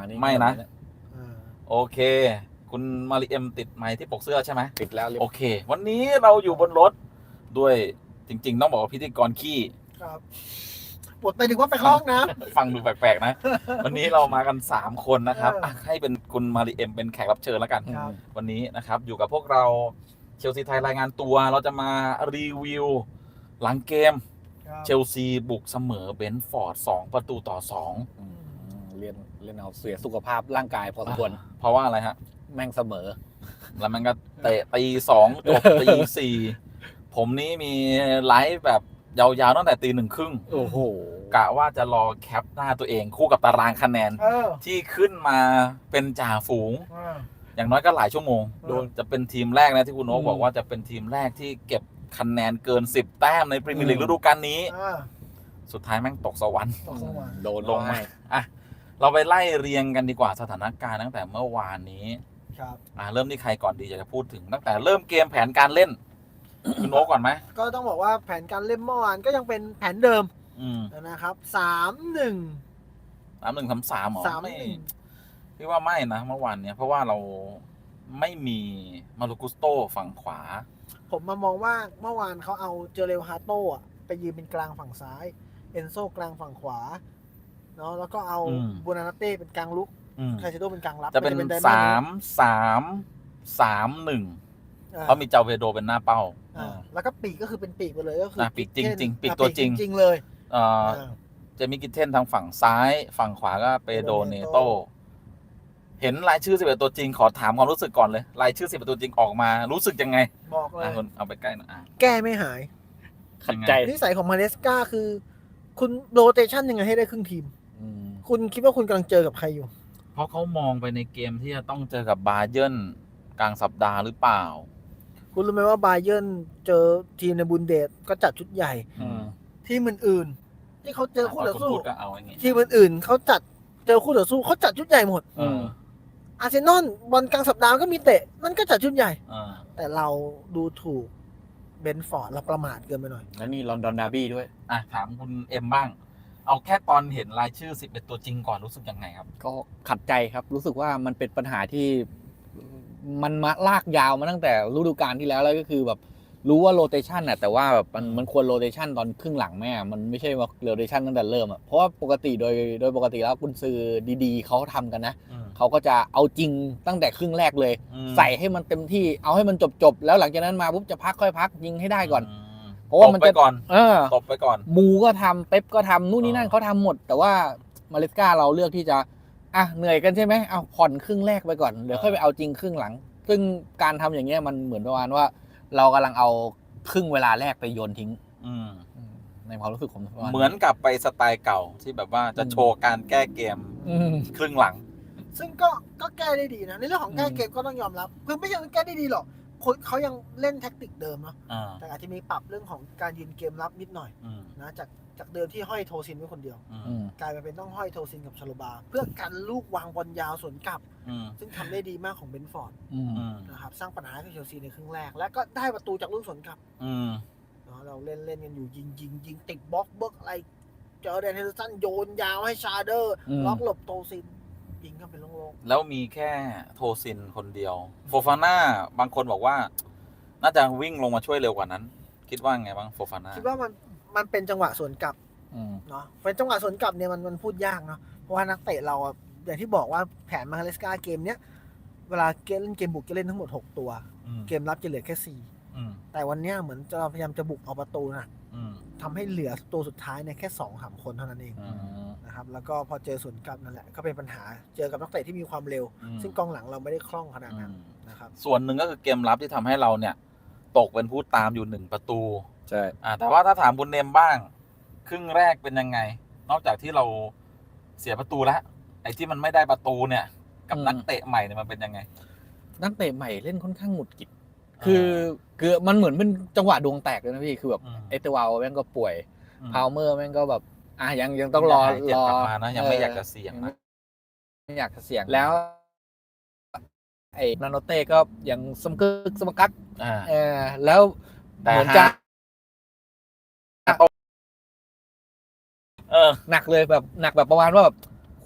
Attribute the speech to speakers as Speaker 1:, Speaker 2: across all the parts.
Speaker 1: ไม่นะ
Speaker 2: อ่า
Speaker 1: โอเค คุณมาริเอ็มติดไมค์ที่ปกเสื้อใช่ไหม
Speaker 3: ติดแล้ว
Speaker 1: โอเค วันนี้เราอยู่บนรถด้วยจริงๆ ต้องบอกว่าพิธีกรขี้
Speaker 2: ครับปวดไปถึงว่าไปเข้าห้องน้
Speaker 1: ฟังดูแปลกๆนะ วันนี้เรามากัน 3 คนนะครับ
Speaker 2: เอออ่
Speaker 1: ะให้เป็นคุณมาริเอ็มเป็นแขกรับเชิญแล้วกัน
Speaker 2: ำครับ
Speaker 1: วันนี้นะครับอยู่กับพวกเราเชลซีไทยรายงานตัวเราจะมารีวิวหลังเกม
Speaker 2: ครับ
Speaker 1: เชลซีบุกเสมอเบนฟอร์ด2-2
Speaker 3: เล่นเอาเสียสุขภาพร่างกายพอสมควร
Speaker 1: เพราะว่าอะไรฮะ
Speaker 3: แม่งเสมอ
Speaker 1: แล้วมันก็เตะตี 2จบตี 4ผมนี้มีไลฟ์แบบยาวๆตั้งแต่ตี 1:30
Speaker 3: โอ้โห
Speaker 1: กะว่าจะรอแคปหน้าตัวเองคู่กับตารางคะแนน
Speaker 2: เออ
Speaker 1: ที่ขึ้นมาเป็นจ่าฝูง
Speaker 2: อ่า
Speaker 1: อย่างน้อยก็หลายชั่วโมง
Speaker 2: โดน
Speaker 1: จะเป็นทีมแรกนะที่คุณโอ๊คบอกว่าจะเป็นทีมแรกที่เก็บคะแนนเกิน 10 แต้มในพรีเมียร์ลีกฤดูกาลนี้
Speaker 2: อ่า
Speaker 1: สุดท้ายแม่งตกสวรรค์
Speaker 2: ตกสวรรค์
Speaker 3: โดน
Speaker 1: ลงมาอ่ะเราไปไล่เรียงกันดีกว่าสถานการณ์ตั้งแต่เมื่อวานนี้
Speaker 2: ครับ
Speaker 1: เริ่มที่ใครก่อนดีอยากจะพูดถึงตั้งแต่เริ่มเกมแผนการเล่น คุณโอ๊คก่อนไหม
Speaker 2: ก็ต้องบอกว่าแผนการเล่นเมื่อวานก็ยังเป็นแผนเดิม
Speaker 1: อืม
Speaker 2: นะครับ 3-1
Speaker 1: 3-1-3-3หรอไม่
Speaker 2: 3-1
Speaker 1: พี่ว่าไม่นะเมื่อวานเนี้ยเพราะว่าเราไม่มีมารุกุสโตฝั่งขวา
Speaker 2: ผมมามองว่าเมื่อวานเขาเอาเจเรลฮาโต้อะไปยืนเป็นกลางฝั่งซ้าย เอนโซกลางฝั่งขวาเนาะแล้วก็เอา
Speaker 1: อืม
Speaker 2: บูนานาเต้เป็นกลางลุก
Speaker 1: อืม
Speaker 2: ไคเซโดเป็นกลางรับ
Speaker 1: จะเป็น
Speaker 2: ไดมอนด์
Speaker 1: 3-3-3-1
Speaker 2: อ่า
Speaker 1: เขามีเจ้าเวโดเป็นหน้าเป้า
Speaker 2: อ่าแล้วก็ปีกก็คือเป็นปีกไปเลยก็คือ
Speaker 1: ปีกจริงๆ
Speaker 2: เช่น
Speaker 1: ปีกตัวจริง
Speaker 2: จริงๆเลย
Speaker 1: เอ่อ
Speaker 2: อ่า
Speaker 1: เจมี่กิทเทนทางฝั่งซ้ายฝั่งขวาก็เปโดเนโต เห็นรายชื่อ11ตัวจริงขอถามความรู้สึกก่อนเลย รายชื่อ11ตัวจริงออกมารู้สึกยังไง
Speaker 2: บอกเลย
Speaker 1: คุณเอาไปใกล้หน่อย
Speaker 2: แก้ไม่หาย
Speaker 3: ขัดใจ
Speaker 2: นิสัยของมาเลสกาคือ คุณโรเตชันยังไงให้ได้ครึ่งทีม
Speaker 3: อืม
Speaker 2: คุณคิดว่าคุณกำลังเจอกับใครอยู่
Speaker 1: เพราะเขามองไปในเกมที่จะต้องเจอกับบาเยิร์นกลางสัปดาห์หรือเปล่า
Speaker 2: คุณรู้ไหมว่าบาเยิร์นเจอทีมในบุนเดสก็จัดชุดใหญ่
Speaker 3: อืม
Speaker 2: ทีมอื่นๆที่เขาเจอคู่ต่อสู้
Speaker 1: พูดก็เอาอย่างงี้
Speaker 2: ทีมอื่นๆเขาจัดเจอคู่ต่อสู้เขาจัดชุดใหญ่หมด
Speaker 1: เออ
Speaker 2: อาร์เซนอลบอลกลางสัปดาห์ก็มีเตะมันก็จัดชุดใหญ่
Speaker 1: เออ
Speaker 2: แต่เราดูถูกเบนฟอร์ดเราประมาทเกินไปหน่อย
Speaker 3: แล้วนี่ลอนดอนดาร์บี้ด้วย
Speaker 1: ถามคุณเอ็มบ้าง เอาแค่ตอนเห็นรายชื่อ11ตัวจริงก่อนรู้สึกยังไงครับ
Speaker 3: ก็ขัดใจครับ รู้สึกว่ามันเป็นปัญหาที่มันมาลากยาวมาตั้งแต่ฤดูกาลที่แล้วแล้วก็คือแบบรู้ว่าโรเตชันน่ะแต่ว่าแบบมันควรโรเตชันตอนครึ่งหลังแม่มันไม่ใช่ว่าโรเตชันตั้งแต่เริ่มอ่ะเพราะว่าปกติโดยปกติแล้วกุนซือดีๆเขาทำกันนะเขาก็จะเอาจริงตั้งแต่ครึ่งแรกเลย ใส่ให้มันเต็มที่เอาให้มันจบแล้วหลังจากนั้นมาปุ๊บจะพักค่อยพักยิงให้ได้ก่อน เพราะว่ามัน
Speaker 1: ตบไป
Speaker 3: จะ
Speaker 1: ก่อน ตบไปก่อน
Speaker 3: มูก็ทำเป๊ปก็ทำนู่นนี่นั่นเขาทำหมด แต่ว่ามาเลสกาเราเลือกที่จะเหนื่อยกันใช่ไหมเอาผ่อนครึ่งแรกไปก่อนเดี๋ยวค่อยไปเอาจริงครึ่งหลัง ซึ่งการทำอย่างเงี้ยมันเหมือนประมาณว่า เรากำลังเอาครึ่งเวลาแรกไปโยนทิ้ง ในความรู้สึกผมประาณ
Speaker 1: เหมือนกับไปสไตล์เก่าที่แบบว่าจะโชว์การแก้เกม
Speaker 3: อืม
Speaker 1: ครึ่งหลัง
Speaker 2: ซึ่งก็แก้ได้ดีนะในเรื่องของแก้เกมก็ต้องยอมรับคือไม่ใช่ว่าแก้ได้ดีหรอกคนเขายังเล่นแท็กติกเดิมเนาะแต่อาจจะมีปรับเรื่องของการยืนเกมรับนิดหน่อยนะจากเดิมที่ห้อยโทซินไว้คนเดียว
Speaker 3: อืม
Speaker 2: กลายมาเป็นต้องห้อยโทซินกับชาโลบา เพื่อกันลูกวางบอลยาวสวนกลับ ซึ่งทำได้ดีมากของเบนฟอร์ด
Speaker 3: อืม
Speaker 2: นะครับสร้างปัญหาให้กับเชลซีในครึ่งแรก และก็ได้ประตูจากลูกสวนกลับเนาะเราเล่นกันอยู่ยิงติดบล็อกเบิร์กอะไรเจอแดนเฮนเดอร์สันโยนยาวให้ชาเดอร์ล็อกหลบโทซินยิงเข้าไปโล่ง
Speaker 1: แล้วมีแค่โทซินคนเดียว โฟฟาน่าบางคนบอกว่า น่าจะวิ่งลงมาช่วยเร็วกว่านั้น คิดว่าไงบ้างโฟฟาน่า
Speaker 2: ๆคิดว่ามันเป็นจังหวะสวนกลับ
Speaker 3: อืม
Speaker 2: เนาะเป็นจังหวะสวนกลับเนี่ยมันพูดยากเนาะเพราะว่านักเตะเราอะอย่างที่บอกว่าแผนมาเลสกาเกมเนี้ยเวลาเล่นเกมบุกจะเล่นทั้งหมด6ตัวเกมรับจะเหลือแค่4แต่วันเนี้ยเหมือนจะพยายามจะบุกเอาประตูนะทำให้เหลือตัวสุดท้ายเนี่ยแค่ 2-3 คนเท่านั้นเองนะครับแล้วก็พอเจอสวนกลับนั่นแหละก็เป็นปัญหาเจอกับนักเตะที่มีความเร็ว ซึ่งกองหลังเราไม่ได้คล่องขนาดนั้นนะครับ
Speaker 1: ส่วนหนึ่งก็คือเกมรับที่ทำให้เราเนี่ย ตกเป็นผู้ตามอยู่1ประตู
Speaker 3: ใช่
Speaker 1: แต่ว่าถ้าถามคุณเนมบ้าง ครึ่งแรกเป็นยังไง นอกจากที่เราเสียประตูแล้วไอ้ที่มันไม่ได้ประตูเนี่ย กับนักเตะใหม่เนี่ยมันเป็นยังไง
Speaker 3: นักเตะใหม่เล่นค่อนข้างหงุดหงิดคือมันเหมือนเป็นจังหวะดวงแตกเลยนะพี่คือแบบเอเตวาลแม่งก็ป่วยพาวเมอร์แม่งก็แบบยังต้องรอ
Speaker 1: เจ็บกลับมานะยังไม่อยากจะเสี่ยงนะ
Speaker 3: ไม่อยากจะเสี่ยงแล้วไอ้นาโนเต้ก็ยังสมกึกสมกักแล้วเหมือนจะหนักเลยแบบหนักแบบประมาณว่าแบบโห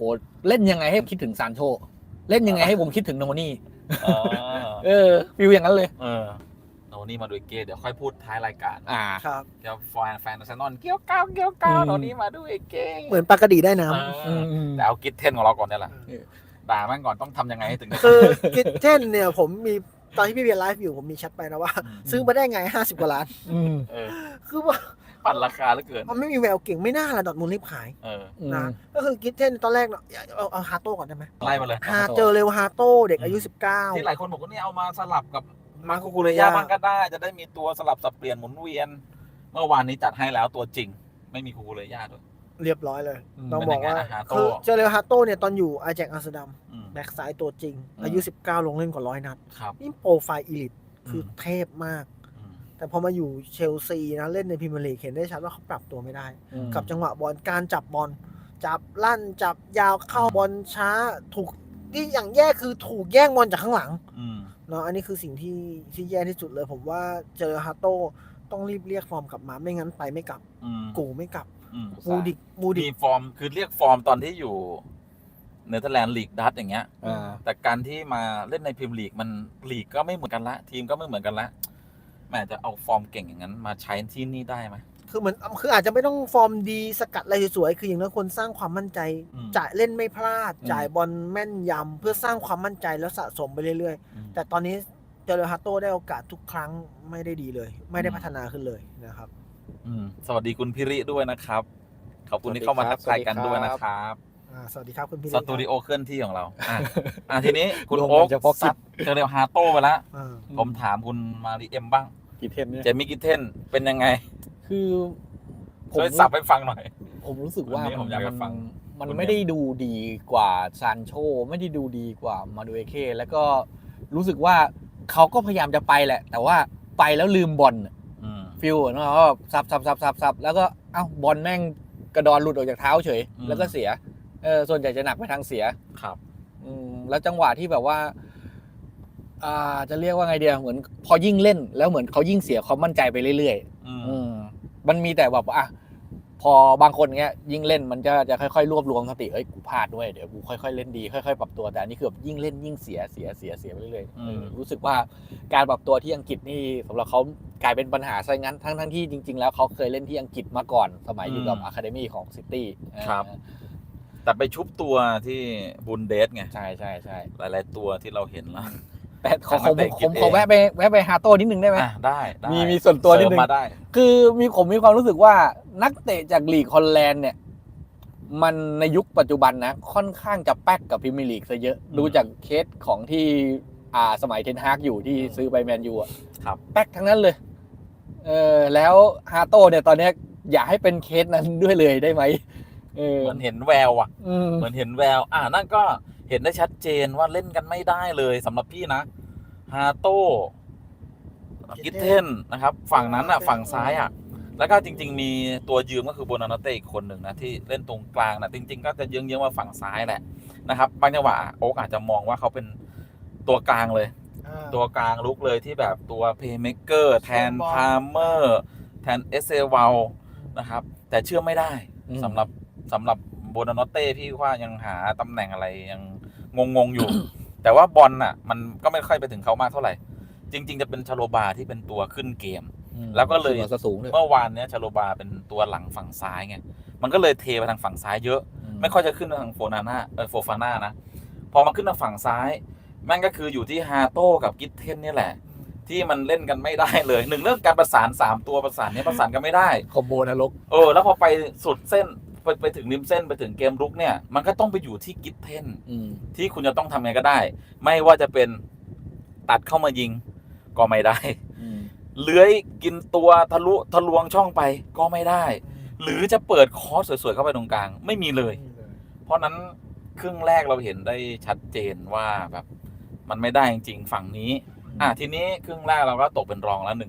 Speaker 3: เล่นยังไงให้คิดถึงซานโชเล่นยังไงให้ผมคิดถึงโนนี่ ฟิลอย่างนั้นเลย
Speaker 1: โนนี่มาดูเกเดี๋ยวค่อยพูดท้ายรายการ
Speaker 2: ครับ
Speaker 1: เดี๋ยวแฟนอาร์เซนอลเกี่ยวก้าวโนนี่มาดูเก
Speaker 2: เหมือนปลากระดีได้น้
Speaker 1: แต่เอากิทเทนของเราก่อนเนี่ยแหละด่ามันก่อนต้องทำยังไงให้ถึง
Speaker 2: ำคือกิทเช่นเนี่ยผมมีตอนที่พี่เบียร์ไลฟ์อยู่ผมมีแชทไปนะว่า ซื้อมาได้ไง50 กว่าล้าน คือว่า
Speaker 1: ปั่นราคาเหลือเกิน
Speaker 2: มันไม่มีแววเก่งไม่น่าละดอร์ทมุนด์รีบขายนะก็คือกิทเช่นตอนแรกเนาะเอาฮาโต้ก่อนได้ไหม
Speaker 1: ไล่มาเลย
Speaker 2: เจอเร็วฮาโต้เด็กอายุ 19
Speaker 1: ที่หลายคนบอกว่านี่เอามาสลับกับมาคุเรยาบ้างก็ได้ จะได้มีตัวสลับสับเปลี่ยนหมุนเวียน เมื่อวานนี้จัดให้แล้วตัวจริง ไม่มีคุเรยาด้วย
Speaker 2: เรียบร้อยเลย
Speaker 3: อืม
Speaker 2: ต้องบอกว่า
Speaker 1: เป็นยังไงนะฮาโต้
Speaker 2: คือเจอเร็วฮาโต้เนี่ยตอนอยู่อาแจ็กอัมสเตอร์ดัม
Speaker 1: อืม
Speaker 2: แบ็กซ้ายตัวจริง อายุ 19 ลงเล่นกว่า100 นัด
Speaker 1: ครับ
Speaker 2: นี่โปรไฟล์อีลิทคือเทพมาก
Speaker 1: อืม
Speaker 2: แต่พอมาอยู่เชลซีนะเล่นในพรีเมียร์ลีกเห็นได้ชัดว่าเขาปรับตัวไม่ได้ กับจังหวะบอลการจับบอลจับลั่นจับยาวเข้าบอลช้าถูกที่อย่างแย่คือถูกแย่งบอลจากข้างหลัง
Speaker 1: อืม
Speaker 2: เนาะอันนี้คือสิ่งที่แย่ที่สุดเลย ผมว่าเจอฮาโต้ต้องรีบเรียกฟอร์มกลับมาไม่งั้นไปไม่กลับ
Speaker 1: อืม
Speaker 2: กูไม่กลับ
Speaker 1: อืม
Speaker 2: มูดิก
Speaker 1: มีฟอร์มคือเรียกฟอร์มตอนที่อยู่เนเธอร์แลนด์ลีกดัตอย่างเงี้ย แต่การที่มาเล่นในพรีเมียร์ลีกมันลีกก็ไม่เหมือนกันละ ทีมก็ไม่เหมือนกันละแม่จะเอาฟอร์มเก่งอย่างนั้นมาใช้ที่นี่ได้ไหม
Speaker 2: คือเหมือนคืออาจจะไม่ต้องฟอร์มดีสกัดอะไรสวยๆคืออย่างน้อยคนสร้างความมั่นใจ
Speaker 1: อืม
Speaker 2: จ่ายเล่นไม่พลาด
Speaker 3: อืม
Speaker 2: จ่ายบอลแม่นยำเพื่อสร้างความมั่นใจแล้วสะสมไปเรื่อยๆ แต่ตอนนี้เจอร์ฮาโต้ได้โอกาสทุกครั้งไม่ได้ดีเลย ไม่ได้พัฒนาขึ้นเลยนะครับ
Speaker 1: สวัสดีคุณพิริด้วยนะครับ ขอบคุณที่เข้ามาทักทายกันด้วยนะครับ
Speaker 2: สวัสดีครับคุณพี่
Speaker 1: สตูดิโอเคลื่อนที่ของเราทีนี้คุณ
Speaker 3: รวม
Speaker 1: โอ๊
Speaker 3: กั
Speaker 1: คน
Speaker 3: เฉพาะกิจ
Speaker 1: ซัดเจอเรียวฮาโต้ไปแล้ว
Speaker 2: อ่า
Speaker 1: ผมถามคุณมาริเอ็มบ้าง
Speaker 3: กี่เทนเนี่ย
Speaker 1: เจมี่กิทเทนเป็นยังไง
Speaker 3: คือผม
Speaker 1: ช่วยสับให้ฟังหน่อย
Speaker 3: ผมรู้สึกว่า
Speaker 1: วันนี้ผมอยากจะฟัง
Speaker 3: มัน
Speaker 1: คุณ
Speaker 3: ไม่ได้ดูดีกว่าซานโชไม่ได้ดูดีกว่ามาดูเอเคแล้วก็รู้สึกว่าเขาก็พยายามจะไปแหละ แต่ว่าไปแล้วลืมบอล ฟิลเนาะว่าสับแล้วก็เอ้าบอลแม่งกระดอนหลุดออกจากเท้าเฉย แล้วก็เสียส่วนใหญ่จะหนักไปทางเสีย
Speaker 1: ครับ
Speaker 3: แล้วจังหวะที่แบบว่าจะเรียกว่าไงเดียเหมือนพอยิ่งเล่นแล้วเหมือนเขายิ่งเสียความมั่นใจไปเรื่อยๆมันมีแต่แบบพอบางคนเงี้ยยิ่งเล่นมันจะค่อยๆรวบรวมสติกูพลาดด้วยเดี๋ยวกูค่อยๆเล่นดีค่อยๆปรับตัวแต่อันนี้คือแบบยิ่งเล่นยิ่งเสียไปเรื่อยๆรู้สึกว่าการปรับตัวที่อังกฤษนี่สำหรับเขากลายเป็นปัญหาซะงั้นทั้งที่จริงๆแล้วเขาเคยเล่นที่อังกฤษมาก่อนสมัยอยู่กับอะคาเดมี่ของซิตี้
Speaker 1: ครับ แต่ไปชุบตัวที่บุนเดสไง
Speaker 3: ใช่
Speaker 1: หลายๆตัวที่เราเห็นแล้ว
Speaker 3: แต่ผมขอแวะไปฮาโต้นิดนึงได้ไหม
Speaker 1: ได้
Speaker 3: มีส่วนตัวนิดนึง
Speaker 1: เสริมมาได้
Speaker 3: คือผมมีความรู้สึกว่านักเตะจากลีกฮอลแลนด์เนี่ยมันในยุคปัจจุบันนะค่อนข้างจะแป๊กกับพรีเมียร์ลีกซะเยอะดูจากเคสของที่สมัยเทนฮากอยู่ที่ซื้อไปแมนยู
Speaker 1: ครับ
Speaker 3: แป๊กทั้งนั้นเลยแล้วฮาโต้เนี่ยตอนนี้อยากให้เป็นเคสนั้นด้วยเลยได้ไหม
Speaker 1: เหมือนเห็นแววเหมือนเห็นแววนั่นก็เห็นได้ชัดเจนว่าเล่นกันไม่ได้เลยสำหรับพี่นะฮาโต้กิทเทนนะครับฝั่งนั้นฝั่งซ้ายแล้วก็จริงๆมีตัวยืมก็คือโบนาโนเต้อีกคนหนึ่งนะที่เล่นตรงกลางนะจริงๆก็จะเยื้องๆว่าฝั่งซ้ายแหละนะครับบางจังหวะโอ๊กอาจจะมองว่าเขาเป็นตัวกลางเลย ตัวกลางลุกเลยที่แบบตัวเพลย์เมคเกอร์แทนพาร์เมอร์แทนเอเซวาลนะครับแต่เชื่อไม่ได้สำหรับโบนาโนเต้พี่ว่ายังหาตำแหน่งอะไรยังงงอยู่ แต่ว่าบอลมันก็ไม่ค่อยไปถึงเขามากเท่าไหร่ จริงๆจะเป็นชาโลบาที่เป็นตัวขึ้นเกม แล้วก็เลยเมื่อวานเนี้ยชาโลบาเป็นตัวหลังฝั่งซ้ายไงมันก็เลยเทไปทางฝั่งซ้ายเยอะไม่ค่อยจะขึ้นทางโฟฟาน่านะพอมาขึ้นทางฝั่งซ้ายแม่งก็คืออยู่ที่ฮาโต้กับกิทเทนนี่แหละที่มันเล่นกันไม่ได้เลยหนึ่งเรื่องการประสาน3ตัวประสานกันไม่ได้
Speaker 3: คอมโบนรก
Speaker 1: แล้วพอไปสุดเส้นไปถึงริมเส้นไปถึงเกมรุกเนี่ยมันก็ต้องไปอยู่ที่กิทเทนที่คุณจะต้องทำไงก็ได้ไม่ว่าจะเป็นตัดเข้ามายิงก็ไม่ได้เลื้อยกินตัวทะลวงช่องไปก็ไม่ได้หรือจะเปิดคอร์สสวยๆเข้าไปตรงกลางไม่มีเลยเพราะนั้นครึ่งแรกเราเห็นได้ชัดเจนว่าแบบมันไม่ได้จริงๆฝั่งนี้ทีนี้ครึ่งแรกเราก็ตกเป็นรองแล้ว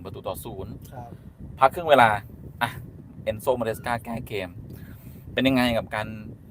Speaker 1: 1-0พักครึ่งเวลาเอนโซมาเดสกาแก้เกมเป็นยังไงกับการ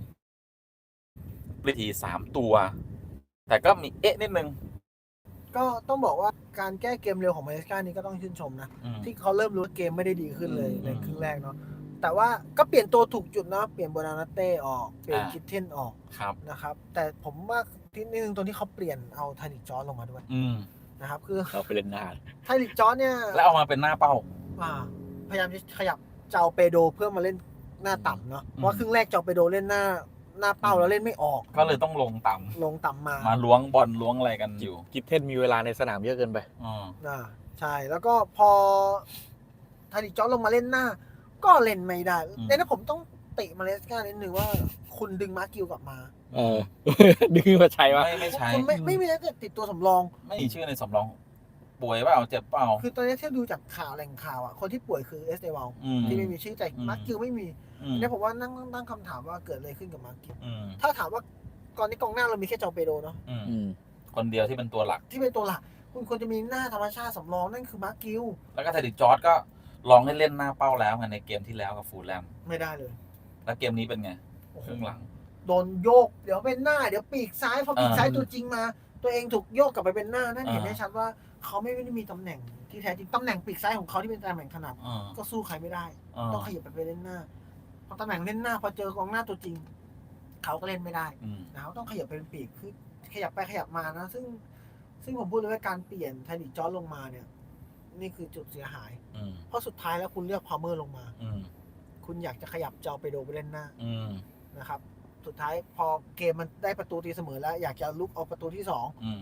Speaker 1: ปลิที3ตัวแต่ก็มีนิดนึง
Speaker 2: ก็ต้องบอกว่าการแก้เกมเร็วของมาเลเซียนี่ก็ต้องชื่นชมนะที่เขาเริ่มรู้ว่าเกมไม่ได้ดีขึ้นเลยในครึ่งแรกเนาะแต่ว่าก็เปลี่ยนตัวถูกจุดนะเปลี่ยนโบนานาเต้ออกเปลี่ยนคิทเทนออก
Speaker 1: ครับ
Speaker 2: นะครับแต่ผมว่าที่นิดนึงตรงที่เขาเปลี่ยนเอาไทลิกจอร์จลงมาด้วยนะครับคือ
Speaker 3: เราไปเล่นหน้า
Speaker 2: ไทลิกจอร์จเนี่ย
Speaker 1: แล้วเอามาเป็นหน้าเป้า
Speaker 2: พยายามจะขยับเจ้าเปโดเพื่อมาเล่นหน้าต่ำเนาะเพราะครึ่งแรกเจ้าเปโดเล่นหน้าเป้าแล้วเล่นไม่ออก
Speaker 1: ก็เลยต้องลงต่ำ
Speaker 2: มา
Speaker 1: มาล้วงบอลล้วงอะไรกันอยู่
Speaker 3: กิฟเทนมีเวลาในสนามเยอะเกินไป
Speaker 2: ใช่แล้วก็พอไทลิกจอร์จลงมาเล่นหน้า ก็เล่นไม่ได้แต่ถ้าผมต้องติมาเลสกานิดนึงว่าคุณดึงมาร์กิวกลับมา
Speaker 3: ดึงมาใช้วะ
Speaker 1: ไม่ใช่
Speaker 2: คุณไม่มีนักเตะติดตัวสำรอง
Speaker 1: ไม่มีชื่อในสำรอง ป่วยเปล่าเจ็บเปล่า
Speaker 2: คือตอนนี้ที่ดูจากข่าวแหล่งข่าวอ่ะคนที่ป่วยคือเอสเดวัลที่ไม่มีชื่อแต่มาร์กิวไม่มีเนี่ยผมว่านั่งคำถามว่าเกิดอะไรขึ้นกับมาร์กิวถ้าถามว่าก่อนนี้กองหน้าเรามีแค่เจ้าเปโดเนาะ
Speaker 1: คนเดียวที่เป็นตัวหลัก
Speaker 2: ที่เป็นตัวหลักคุณควรจะมีหน้าธรรมชาติสำรองนั่นคือมาร์กิว
Speaker 1: แล้วก็ไทดิกจอร์จก็ลองให้เล่นหน้าเป้าแล้วไงในเกมที่แล้วกับฟูลแลม
Speaker 2: ไม่ได้เลย
Speaker 1: แล้วเกมนี้เป็นไงครึ่งหลัง
Speaker 2: โดนโยกเดี๋ยวเป็นหน้าเดี๋ยวปีกซ้ายพอปีกซ้ายตัวจริงมา ตัวเองถูกโยกกลับไปเป็นหน้านั่นเห็นได้ชัดว่าเขาไม่ได้มีตำแหน่งที่แท้จริงตำแหน่งปีกซ้ายของเขาที่เป็นตำแหน่งถนัดก็สู้ใครไม่ได้ต้องขยับไปเล่นหน้าพอตำแหน่งเล่นหน้าพอเจอกองหน้าตัวจริงเขาก็เล่นไม่ได้นะเขาต้องขยับไปเป็นปีกคือขยับไปขยับมานะซึ่งผมพูดเลยว่าการเปลี่ยนไทลิกจอร์จลงมาเนี่ยนี่คือจุดเสียหายเพราะสุดท้ายแล้วคุณเลือกพาวเมอร์ลงมาคุณอยากจะขยับเจ้าไปโดไปเล่นหน้านะครับสุดท้ายพอเกมมันได้ประตูตีเสมอแล้วอยากจะลุกเอาประตูที่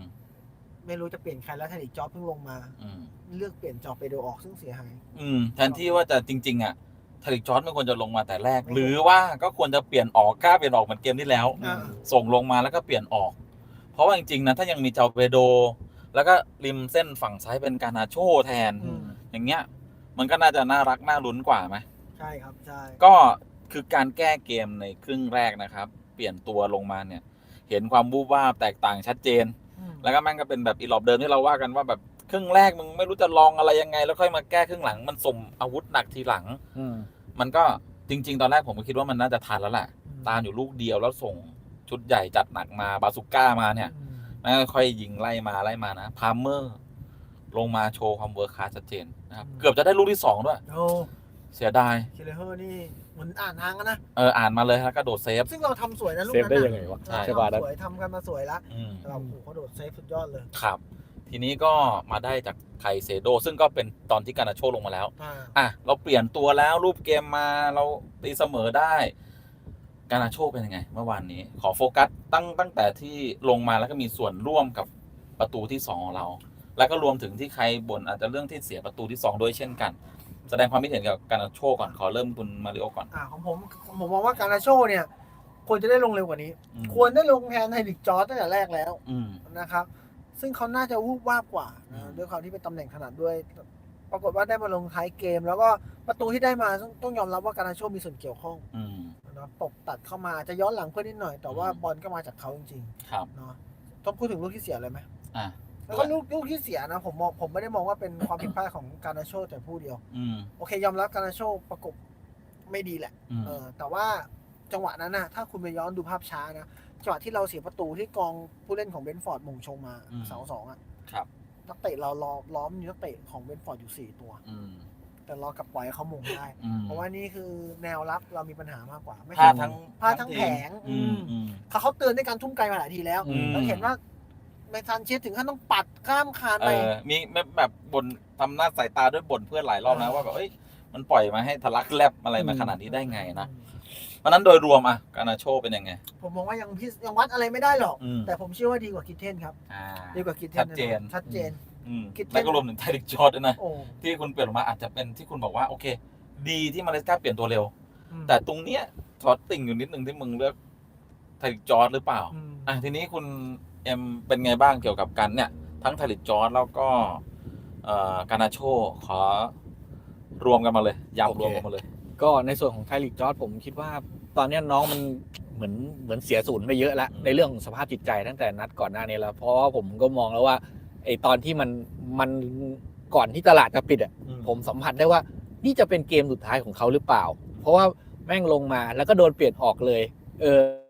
Speaker 2: 2ไม่รู้จะเปลี่ยนใครแล้วไทลิกจอร์จเพิ่งลงมาเลือกเปลี่ยนเจ้าไปโดออกซึ่งเสียหาย
Speaker 1: แทนที่ว่าจะจริงๆอ่ะไทลิกจอร์จไม่ควรจะลงมาแต่แรกหรือว่าก็ควรจะเปลี่ยนออกกล้าเปลี่ยนออกเหมือนเกมที่แล้วส่งลงมาแล้วก็เปลี่ยนออกเพราะว่าจริงๆนะถ้ายังมีเจ้าเปโดแล้วก็ริมเส้นฝั่งซ้ายเป็นการนาโชแทนอย่างเงี้ยมันก็น่าจะน่ารักน่าลุ้นกว่าไหม
Speaker 2: ใช่ครับใช่
Speaker 1: ก็คือการแก้เกมในครึ่งแรกนะครับเปลี่ยนตัวลงมาเนี่ยเห็นความวูบวาบแตกต่างชัดเจนแล้วก็แม่งก็เป็นแบบอีหลอบเดิมที่เราว่ากันว่าแบบครึ่งแรกมึงไม่รู้จะลองอะไรยังไงแล้วค่อยมาแก้ครึ่งหลังมันส่งอาวุธหนักทีหลังมันก็จริงๆตอนแรกผมก็คิดว่ามันน่าจะทันแล้วแหละตามอยู่ลูกเดียวแล้วส่งชุดใหญ่จัดหนักมาบาสุก้ามาเนี่ยแล้วค่อยยิงไล่มานะพาร์เมอร์ลงมาโชว์ความเวิร์คคลาสชัดเจนนะครับเกือบจะได้ลูกที่2ด้วยเสียดาย
Speaker 2: คิเลเฮอร์นี่เหมือนอ่านทางกันนะ
Speaker 1: อ่านมาเลยแล้วก็โดดเซฟ
Speaker 2: ซึ่งเราทำสวยนะลูก
Speaker 3: นั้น
Speaker 2: ได้
Speaker 3: ยังไงวะ
Speaker 2: ใช่สวยทำกันมาสวยแล้วเราโอ้โหเขาโดดเซฟสุดยอดเลย
Speaker 1: ครับทีนี้ก็มาได้จากไคเซโดซึ่งก็เป็นตอนที่การนาโชลงมาแล้วเราเปลี่ยนตัวแล้วรูปเกมมาเราตีเสมอได้การนาโชเป็นยังไงเมื่อวานนี้ขอโฟกัสตั้งแต่ที่ลงมาแล้วก็มีส่วนร่วมกับประตูที่2ของเราแล้วก็รวมถึงที่ใครบ่นอาจจะเรื่องที่เสียประตูที่2ด้วยเช่นกันแสดงความคิดเห็นกับการนาโชก่อนขอเริ่มคุณมาริโอก่อน
Speaker 2: ของผมมองว่าการนาโชเนี่ยควรจะได้ลงเร็วกว่านี้ควรได้ลงแทนไทลิกจอร์จตั้งแต่แรกแล้วนะครับซึ่งเขาน่าจะวูบวาบกว่าด้วยความที่เป็นตำแหน่งถนัดด้วยปรากฏว่าได้มาลงท้ายเกมแล้วก็ประตูที่ได้มาต้องยอมรับว่าการนาโชมีส่วนเกี่ยวข้องนะตบตัดเข้ามาจะย้อนหลังเพื่อนนิดหน่อยแต่ว่าบอลก็มาจากเขาจริงๆเนาะต้องพูดถึงลูกที่เสียเลยไหมแล้วก็ลูกที่เสียนะผมไม่ได้มองว่าเป็นความผิดพลาดของการนาโชแต่ผู้เดียวโอเคยอมรับการนาโชประกบไม่ดีแหละแต่ว่าจังหวะนั้นนะถ้าคุณไปย้อนดูภาพช้านะจังหวะที่เราเสียประตูที่กองผู้เล่นของเบนฟอร์ดมงชงมาเสา2อ่ะนักเตะเราล้อมนักเตะของเบนฟอร์ดอยู่4ตัวแต่เรากลับปล่อยให้เขามงได้เพราะว่านี่คือแนวรับเรามีปัญหามากกว่าไม่ใช่พลาดทั้งแผงเขาเตือนด้วยการทุ่มไกลมาหลายทีแล้วเราเห็นว่าแมนซันเชสถึงขั้นต้องปัดข้ามคานไป
Speaker 1: มีแบบบ่นทำหน้าสายตาด้วยบ่นเพื่อนหลายรอบนะว่าแบบมันปล่อยมาให้ทะลักแลบอะไรมาขนาดนี้ได้ไงนะเพราะนั้นโดยรวมการนาโชเป็นยังไง
Speaker 2: ผมมองว่ายังวัดอะไรไม่ได้หรอกแต่ผมเชื่อว่าดีกว่าคิทเทนครับดีกว่าคิทเทนชัดเจน
Speaker 1: แล้วก็รวมถึงไทลิกจอร์จด้วยนะที่คุณเปลี่ยนออกมาอาจจะเป็นที่คุณบอกว่าโอเคดีที่มาเลสกาเปลี่ยนตัวเร็วแต่ตรงเนี้ยช็อตติ่งอยู่นิดนึงที่มึงเลือกไทลิกจอร์จหรือเปล่าทีนี้คุณเอ็มเป็นไงบ้างเกี่ยวกับกันเนี่ยทั้งไทลิกจอร์จแล้วก็การนาโชขอรวมกันมาเลยยำรวมกันมาเลย
Speaker 3: ก็ในส่วนของไทลิกจอร์จผมคิดว่าตอนนี้น้องมันเหมือนเสียศูนย์ไปเยอะแล้วในเรื่องของสภาพจิตใจตั้งแต่นัดก่อนหน้านี้แล้วเพราะว่าผมก็มองแล้วว่าไอตอนที่มันก่อนที่ตลาดจะปิดผมสัมผัสได้ว่านี่จะเป็นเกมสุดท้ายของเขาหรือเปล่าเพราะว่าแม่งลงมาแล้วก็โดนเปลี่ยนออกเลย